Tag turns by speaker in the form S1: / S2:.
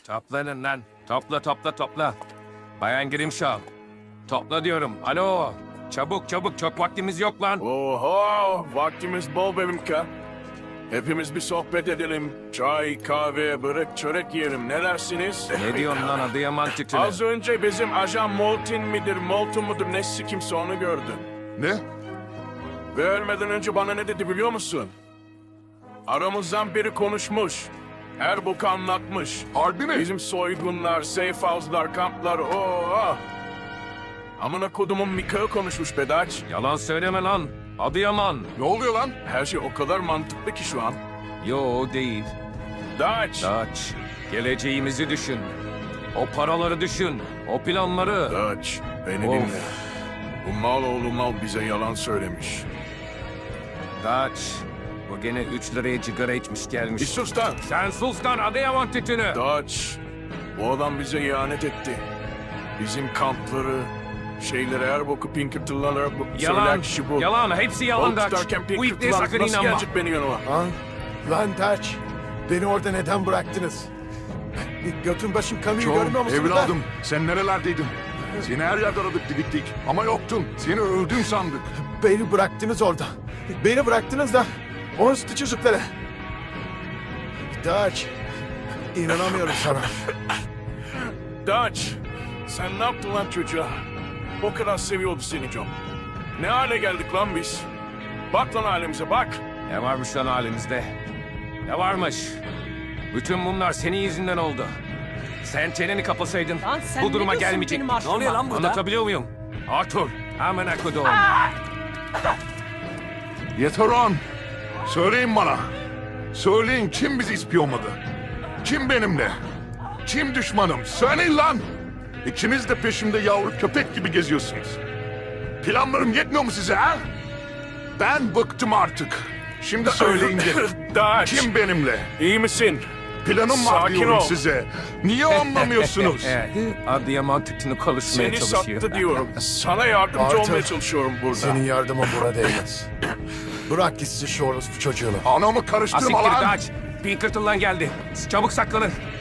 S1: Toplanın lan. Topla. Bayan Grimshaw. Topla diyorum. Alo. Çabuk. Çok vaktimiz yok lan.
S2: Oho, vaktimiz bol Bebimka. Hepimiz bir sohbet edelim. Çay, kahve, börek, çörek yiyelim. Ne dersiniz?
S1: Ne diyorsun lan Adıyaman tütünü?
S2: Az önce bizim ajan Molton mudur nesi kimse onu gördüm.
S3: Ne?
S2: Ve ölmeden önce bana ne dedi biliyor musun? Aramızdan biri konuşmuş. Her boku anlatmış.
S3: Harbi mi?
S2: Bizim soygunlar, safe house'lar, kamplar, Amına kodumun Mika'yı konuşmuş Bedaç.
S1: Yalan söyleme lan. Adıyaman.
S3: Ne oluyor lan?
S2: Her şey o kadar mantıklı ki şu an.
S1: Yo değil.
S2: Daç.
S1: Daç. Geleceğimizi düşün. O paraları düşün. O planları.
S2: Daç, beni
S1: Of.
S2: dinle. Bu mal oğlu mal bize yalan söylemiş.
S1: Daç. Bu gene 3 liraya sigara içmiş gelmiş.
S2: Bir sus lan.
S1: Sen sus lan Adıyaman tütünü.
S2: Daç, bu adam bize ihanet etti. Bizim kampları, şeyleri her boku Pinkerton'lar
S1: Yalan.
S2: söyleyen kişi bu.
S1: Yalan. Hepsi yalan
S2: Balık
S1: Daç.
S2: tutarken
S1: Bu ipliğe
S2: Pinkerton'lar
S1: sakın
S2: nasıl
S1: inanma.
S2: gelecek beni yanıma?
S4: Lan Taç, beni orada neden bıraktınız? Götün başım kanıyor görmüyor
S3: Çoğum,
S4: musunuz?
S3: evladım, sen nerelerdeydin? Seni her yerde aradık, didiktik. Ama yoktun. Seni öldün sandık.
S4: Beni bıraktınız orada. Beni bıraktınız da o üstü çocuklara. Taç, inanamıyorum sana.
S2: Daç, sen ne yaptın lan çocuğa? O kadar seviyordu seni John. Ne hale geldik lan biz? Bak lan halimize bak.
S1: Ne varmış lan halimizde? Ne varmış? Bütün bunlar senin yüzünden oldu. Sen çeneni kapasaydın
S5: Lan sen
S1: bu
S5: ne
S1: duruma
S5: diyorsun
S1: gelmeyecektik.
S5: benim aklıma? Ne oluyor lan burada?
S1: Anlatabiliyor muyum? Arthur, amına kodum.
S3: Yeter on. Söyleyin bana. Söyleyin kim bizi ispiyonladı? Kim benimle? Kim düşmanım? Söyleyin lan. İkiniz de peşimde yavru köpek gibi geziyorsunuz. Planlarım yetmiyor mu size ha? Ben bıktım artık. Şimdi söyleyin dedim.
S2: Daç,
S3: Kim benimle?
S2: iyi misin?
S3: Planım var
S2: Sakin
S3: diyorum
S2: ol.
S3: size. Niye anlamıyorsunuz?
S1: Adıyaman tütünü konuşmaya
S2: Seni
S1: çalışıyor.
S2: sattı diyorum. Sana yardımcı
S4: Arthur,
S2: olmaya çalışıyorum burada.
S4: Senin yardımın buna değmez. Bırak gitsin şu orospu çocuğunu.
S3: Anamı
S1: Asiktir
S3: karıştırma lan.
S1: Daç. Pinkerton'dan geldi. Çabuk saklanın.